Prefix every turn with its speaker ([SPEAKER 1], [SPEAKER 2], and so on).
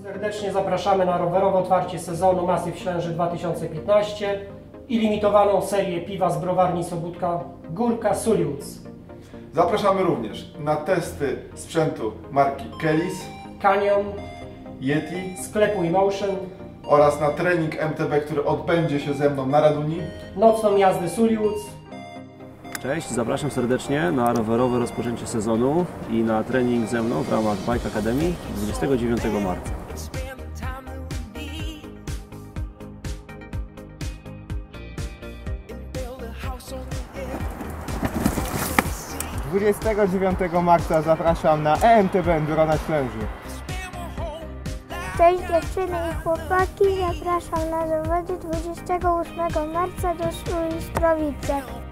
[SPEAKER 1] Serdecznie zapraszamy na rowerowe otwarcie sezonu Masyw Ślęży 2015 i limitowaną serię piwa z browarni Sobótka Górka Suliuc.
[SPEAKER 2] Zapraszamy również na testy sprzętu marki Kellys,
[SPEAKER 1] Canyon,
[SPEAKER 2] Yeti,
[SPEAKER 1] sklepu Emotion
[SPEAKER 2] oraz na trening MTB, który odbędzie się ze mną na Raduni.
[SPEAKER 1] Nocną jazdę Suliuc.
[SPEAKER 3] Cześć, zapraszam serdecznie na rowerowe rozpoczęcie sezonu i na trening ze mną w ramach Bike Academy 29 marca.
[SPEAKER 4] 29 marca zapraszam na EMTB Enduro na Ślęży.
[SPEAKER 5] Cześć dziewczyny i chłopaki, zapraszam na zawody 28 marca do Sulistrowice.